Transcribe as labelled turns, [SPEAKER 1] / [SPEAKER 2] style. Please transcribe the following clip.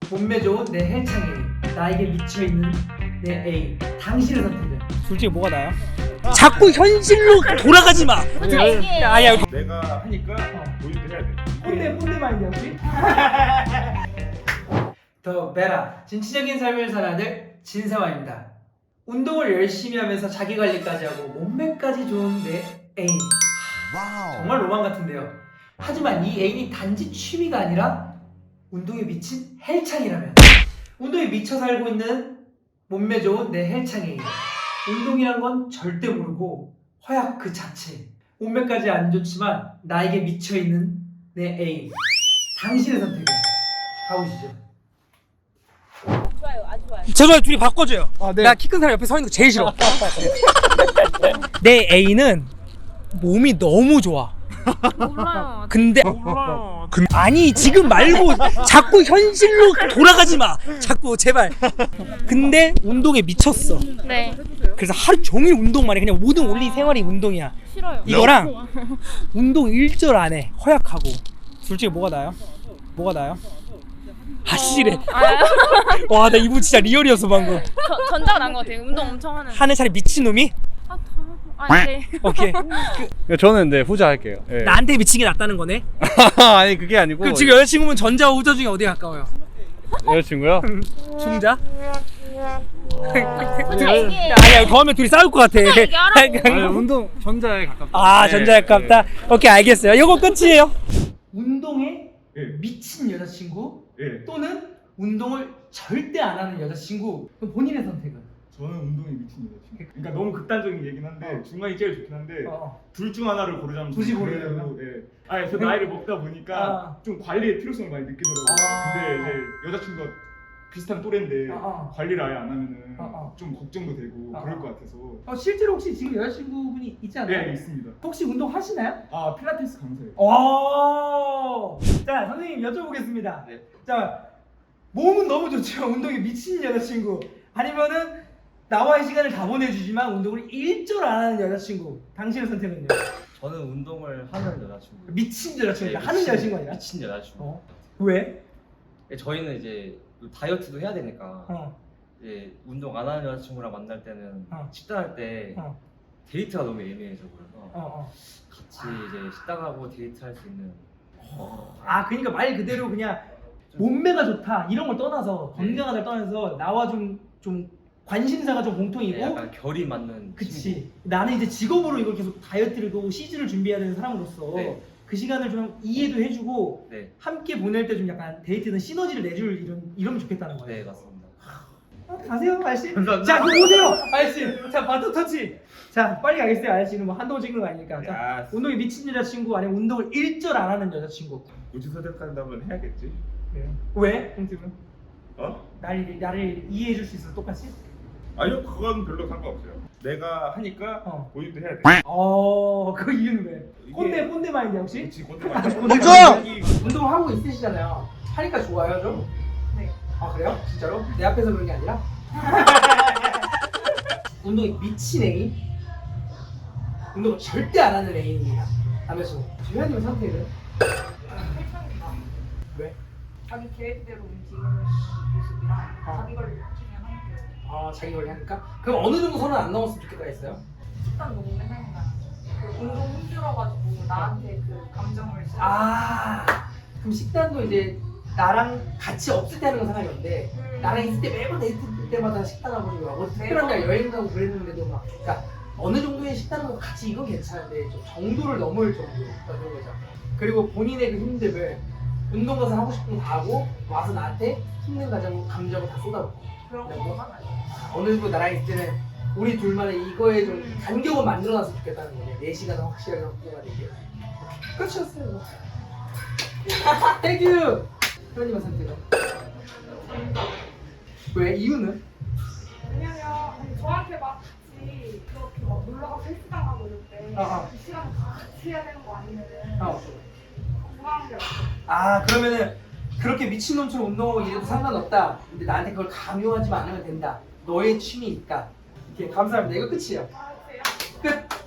[SPEAKER 1] 몸매 좋은 내 헬창 A, 나에게 미쳐있는 내 A. 당신의 선택은?
[SPEAKER 2] 솔직히 뭐가 나요? 자꾸 현실로 돌아가지 마. 아니야.
[SPEAKER 3] 내가 하니까 보이도 해야 돼.
[SPEAKER 1] 꼰대 마인드야 혹시? 더 베라 진취적인 삶을 살아낼 진세화입니다. 운동을 열심히 하면서 자기관리까지 하고 몸매까지 좋은 내 애인. 정말 로망 같은데요. 하지만 이 애인이 단지 취미가 아니라 운동에 미친 헬창이라면, 운동에 미쳐 살고 있는 몸매 좋은 내 헬창 애인. 운동이란 건 절대 모르고 허약 그 자체. 몸매까지 안 좋지만 나에게 미쳐있는 내 애인. 당신의 선택은? 가보시죠.
[SPEAKER 4] 좋아요, 아주 좋아요.
[SPEAKER 2] 저거 둘이 바꿔줘요.
[SPEAKER 1] 네.
[SPEAKER 2] 나 키 큰 사람 옆에 서 있는 거 제일 싫어. 내 애인은 몸이 너무 좋아.
[SPEAKER 4] 몰라요.
[SPEAKER 2] 근데 아니 지금 말고 자꾸 현실로 돌아가지 마. 자꾸 제발. 근데 운동에 미쳤어.
[SPEAKER 4] 네,
[SPEAKER 2] 그래서 하루 종일 운동만 해. 그냥 모든 온리 생활이 운동이야.
[SPEAKER 4] 싫어요.
[SPEAKER 2] 이거랑 운동 일절 안 해. 허약하고. 솔직히 뭐가 나요? 뭐가 나요? 아씨래. 와, 나 이분 진짜 리얼이었어 방금.
[SPEAKER 4] 전자가 난 것 같아요. 운동 엄청 하는.
[SPEAKER 2] 하는 차라리 미친 놈이?
[SPEAKER 4] 네.
[SPEAKER 2] 오케이.
[SPEAKER 3] 저는 네 후자 할게요. 네.
[SPEAKER 2] 나한테 미친 게 낫다는 거네.
[SPEAKER 3] 아니 그게 아니고.
[SPEAKER 2] 그럼 지금 여자친구면 전자와 후자 중에 어디가 가까워요?
[SPEAKER 3] 여자친구요?
[SPEAKER 2] 중자?
[SPEAKER 4] 전자 얘기해요.
[SPEAKER 2] 아니야, 더 하면 둘이 싸울 것 같아.
[SPEAKER 3] 아니, 운동 전자에 가깝다.
[SPEAKER 2] 아, 전자에 가깝다. 오케이, 알겠어요. 이거 끝이에요.
[SPEAKER 1] 운동에
[SPEAKER 3] 예.
[SPEAKER 1] 미친 여자친구
[SPEAKER 3] 예.
[SPEAKER 1] 또는 운동을 절대 안 하는 여자친구. 그럼 본인의 선택은?
[SPEAKER 3] 저는 운동에 미친 여자친구. 그러니까 너무 극단적인 얘긴 한데 중간이 제일 좋긴 한데 둘 중 하나를 고르자면
[SPEAKER 1] 굳이
[SPEAKER 3] 저는
[SPEAKER 1] 고르려면?
[SPEAKER 3] 그래도, 예. 아니 저 나이를 먹다 보니까 좀 관리의 필요성을 많이 느끼더라고요. 근데 이제 여자친구가 비슷한 또래인데 관리를 아예 안 하면은 좀 걱정도 되고 그럴 것 같아서.
[SPEAKER 1] 실제로 혹시 지금 여자친구분이 있지 않나요?
[SPEAKER 3] 네, 있습니다.
[SPEAKER 1] 혹시 운동 하시나요?
[SPEAKER 3] 아 필라테스 강사예요.
[SPEAKER 1] 자, 선생님 여쭤보겠습니다.
[SPEAKER 3] 네.
[SPEAKER 1] 자, 몸은 너무 좋죠. 운동에 미친 여자친구. 아니면은 나와의 시간을 다 보내주지만 운동을 일절 안 하는 여자친구. 당신의 선택은요?
[SPEAKER 5] 저는 운동을 하는 여자친구.
[SPEAKER 1] 미친 여자친구.
[SPEAKER 5] 네,
[SPEAKER 1] 하는 여자친구 아니라?
[SPEAKER 5] 미친 여자친구.
[SPEAKER 1] 왜?
[SPEAKER 5] 저희는 이제 다이어트도 해야 되니까
[SPEAKER 1] 어.
[SPEAKER 5] 이제 운동 안 하는 여자친구랑 만날 때는 식단할 때 데이트가 너무 애매해져 그래서 같이 이제 식단하고 데이트할 수 있는.
[SPEAKER 1] 그러니까 말 그대로 그냥 몸매가 좋다 이런 걸 떠나서 건강하다를 떠나서 나와 좀 관심사가 좀 공통이고.
[SPEAKER 5] 네, 약간 결이 맞는.
[SPEAKER 1] 그치.
[SPEAKER 5] 친구.
[SPEAKER 1] 나는 이제 직업으로 이걸 계속 다이어트를 또 시즌을 준비해야 되는 사람으로서
[SPEAKER 5] 네.
[SPEAKER 1] 그 시간을 좀 이해도 해주고
[SPEAKER 5] 네,
[SPEAKER 1] 함께 보낼 때 좀 약간 데이트는 시너지를 내줄 이러면 좋겠다는 거예요.
[SPEAKER 5] 네 맞습니다.
[SPEAKER 1] 가세요 아저씨.
[SPEAKER 5] 감사합니다.
[SPEAKER 1] 자 그럼 오세요 아저씨. 자 바톤 터치. 자 빨리 가겠어요 아저씨는 뭐 한동안 찍는 거 아니니까. 자 운동에 미친 여자친구 아니면 운동을 일절 안 하는 여자친구.
[SPEAKER 3] 굳이 선택한다면 해야겠지.
[SPEAKER 1] 왜? 홍팀은?
[SPEAKER 3] 어?
[SPEAKER 1] 나를 이해해줄 수 있어 똑같이?
[SPEAKER 3] 아니요 그건 별로 상관없어요. 내가 하니까 보이도 해야 돼.
[SPEAKER 1] 그 이유는 왜? 꼰대 마인드야 혹시?
[SPEAKER 3] 그렇지 꼰대 말이야.
[SPEAKER 1] 운동을 하고 있으시잖아요. 하니까 좋아요 좀? 네. 아 그래요? 진짜로? 내 앞에서 그런 게 아니라? 운동에 미친 애인? 운동을 절대 안 하는 애인입니다. 남자친구. 주현님의 선택은? 왜?
[SPEAKER 6] 자기 계획대로 움직이는 모습이랑 자기 관리 나중에 하는 게
[SPEAKER 1] 자기 관리 하니까? 그럼 어느 정도 선은 안 넘었으면 좋겠다 했어요?
[SPEAKER 6] 식단 너무 맨날 그 운동 힘들어가지고 나한테 그 감정을 쓰는
[SPEAKER 1] 그럼 식단도 이제 나랑 같이 없을 때 하는 건 상관이 없는데 나랑 있을 때 매번 데이트 때마다 식단하고 뭐 특별한 날 여행 가고 그랬는데도 막 그러니까 어느 정도의 식단하고 같이 이건 괜찮은데 좀 정도를 넘을 정도 그런 거죠. 그리고 본인의 그 힘듦을 운동 가서 하고 싶은 거 다 하고 와서 나한테 힘든 감정을 다 쏟아붓고
[SPEAKER 6] 그런 거만 아니에요.
[SPEAKER 1] 어느 정도 나랑 있을 때는 우리 둘만의 이거에 좀 간격을 만들어놨으면 좋겠다는 거예요. 4시간은 확실하게 확보가 되게. 끝이었어요. 땡큐! 회원님의 선택은? 왜? 이유는?
[SPEAKER 6] 왜냐면 저한테 막 같이 그렇게 막 놀러가서 헬스장하고 이럴 때 그 시간을 다 같이 해야 되는 거 아니면은 불안한 게 없어요.
[SPEAKER 1] 그러면은 그렇게 미친놈처럼 운동하고 이래도 상관없다. 근데 나한테 그걸 강요하지 않으면 된다. 너의 취미니까. 이렇게 감사합니다. 이거 끝이에요.
[SPEAKER 6] 알았어요?
[SPEAKER 1] 끝!